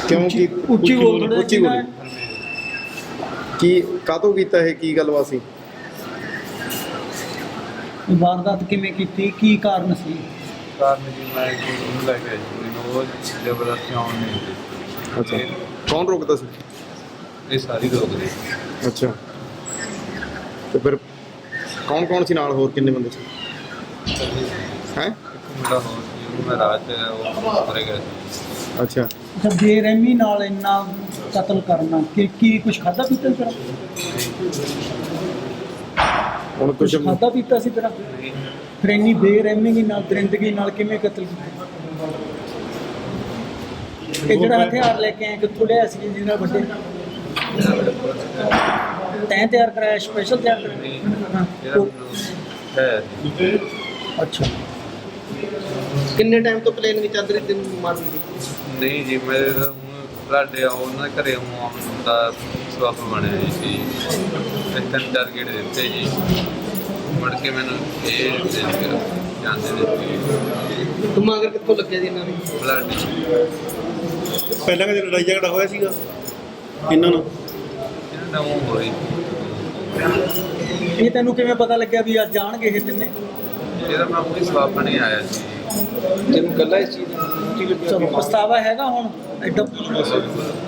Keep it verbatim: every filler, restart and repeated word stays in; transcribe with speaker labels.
Speaker 1: ਕਿਉਂ ਕੀ
Speaker 2: ਉੱਚੀ ਬੋਲ ਥੋੜ੍ਹਾ
Speaker 1: ਉੱਚੀ
Speaker 2: ਜਿਹਾ।
Speaker 1: ਬੋਲੀ ਕੀ ਕਾਹਤੋਂ ਕੀਤਾ ਇਹ ਕੀ ਗੱਲਬਾਤ ਸੀ?
Speaker 2: ਵਾਰਦਾਤ ਕਿਵੇਂ ਕੀਤੀ, ਕੀ ਕਾਰਨ ਸੀ?
Speaker 3: ਕਾਰਨ ਜੀ ਮੈਂ ਉਹਨੂੰ ਲੈ ਕੇ ਆਈ ਸੀ, ਮੈਨੂੰ ਉਹ ਜ਼ਬਰਦਸਤੀ ਆਉਣ ਨਹੀਂ ਦਿੱਤੀ।
Speaker 1: ਅੱਛਾ, ਕੌਣ ਰੋਕਦਾ ਸੀ?
Speaker 3: ਇਹ ਸਾਰੀ ਰੋਕਦੇ।
Speaker 1: ਅੱਛਾ, ਤੇ ਫਿਰ ਕੌਣ ਕੌਣ ਸੀ ਨਾਲ, ਹੋਰ ਕਿੰਨੇ ਬੰਦੇ ਸੀ ਹੈ?
Speaker 3: ਮੁੰਡਾ ਹੋਰ ਸੀ, ਉਹਨੂੰ ਮੈਂ ਰਾਤ ਉਹ ਕਰੇ ਗਿਆ ਸੀ।
Speaker 1: ਅੱਛਾ,
Speaker 2: ਅੱਛਾ, ਬੇਰਹਿਮੀ ਨਾਲ ਇੰਨਾ ਕਤਲ ਕਰਨਾ, ਕਿ ਕੀ ਕੁਝ ਖਾਧਾ ਪੀਤਾ ਸੀ ਤੇਰਾ?
Speaker 1: ਹੁਣ ਕੁਝ
Speaker 2: ਕੁਝ ਖਾਧਾ ਪੀਤਾ ਸੀ ਤੇਰਾ?
Speaker 3: ਨਹੀਂ,
Speaker 2: ਫਿਰ ਇੰਨੀ ਬੇਰਹਿਮੀ ਨਾਲ, ਦਰਿੰਦਗੀ ਨਾਲ ਕਿਵੇਂ ਕਤਲ ਕੀਤਾ? ਇਹ ਜਿਹੜਾ ਹਥਿਆਰ ਲੈ ਕੇ ਆਏ ਕਿੱਥੋਂ ਲਿਆ ਸੀ ਜਿਹਦੇ ਨਾਲ ਵੱਡੇ? ਤੈਂ ਤਿਆਰ ਕਰਾਇਆ, ਸਪੈਸ਼ਲ ਤਿਆਰ
Speaker 3: ਨਹੀਂ,
Speaker 2: ਕਰਾਇਆ?
Speaker 3: ਇਹਦਾ
Speaker 2: ਹਾਂ।
Speaker 3: ਮੈਨੂੰ ਹੈ ਸੀ।
Speaker 2: ਅੱਛਾ,
Speaker 4: ਕਿੰਨੇ ਟਾਈਮ ਤੋਂ ਪਲੇਨ ਵਿੱਚ ਚੱਲ ਰਹੀ ਤੈਨੂੰ ਮਾਰਨ ਦੀ?
Speaker 3: ਨਹੀਂ ਜੀ, ਮੇਰੇ ਤਾਂ ਹੁਣ ਤੁਹਾਡੇ ਉਹਨਾਂ ਦੇ ਘਰੇ ਆਉਣ ਦਾ ਸਬੱਬ ਬਣਿਆ ਜੀ ਸੀ। ਇਹ ਤਿੰਨ ਚਾਰ ਗੇੜੇ ਦਿੱਤੇ ਜੀ, ਮੁੜ ਕੇ ਮੈਨੂੰ ਇਹ ਦੇ ਕੇ ਜਾਂਦੇ ਦਿੱਤੇ
Speaker 4: ਤੂੰ ਮਗਰ ਕਿੱਥੋਂ ਲੱਗਿਆ ਜੀ ਇਹਨਾਂ ਨੂੰ?
Speaker 3: ਬਲੱਡ
Speaker 5: ਪਹਿਲਾਂ ਕਦੇ ਲੜਾਈ ਝਗੜਾ ਹੋਇਆ ਸੀਗਾ ਇਹਨਾਂ ਨਾਲ?
Speaker 3: ਇਹਨਾਂ ਦਾ ਉਹ ਹੋਈ।
Speaker 2: ਇਹ ਤੈਨੂੰ ਕਿਵੇਂ ਪਤਾ ਲੱਗਿਆ ਵੀ ਅੱਜ ਜਾਣਗੇ ਇਹ ਤਿੰਨੇ?
Speaker 3: ਇਹਦਾ ਮੈਂ ਕੋਈ ਸਬੱਬ ਨਹੀਂ ਆਇਆ ਸੀ।
Speaker 4: ਤੈਨੂੰ ਗੱਲਾਂ ਇਸ ਚੀਜ਼ ਦੀ
Speaker 2: ਚਲੋ, ਪਛਤਾਵਾ ਹੈਗਾ ਹੁਣ ਐਡਾ?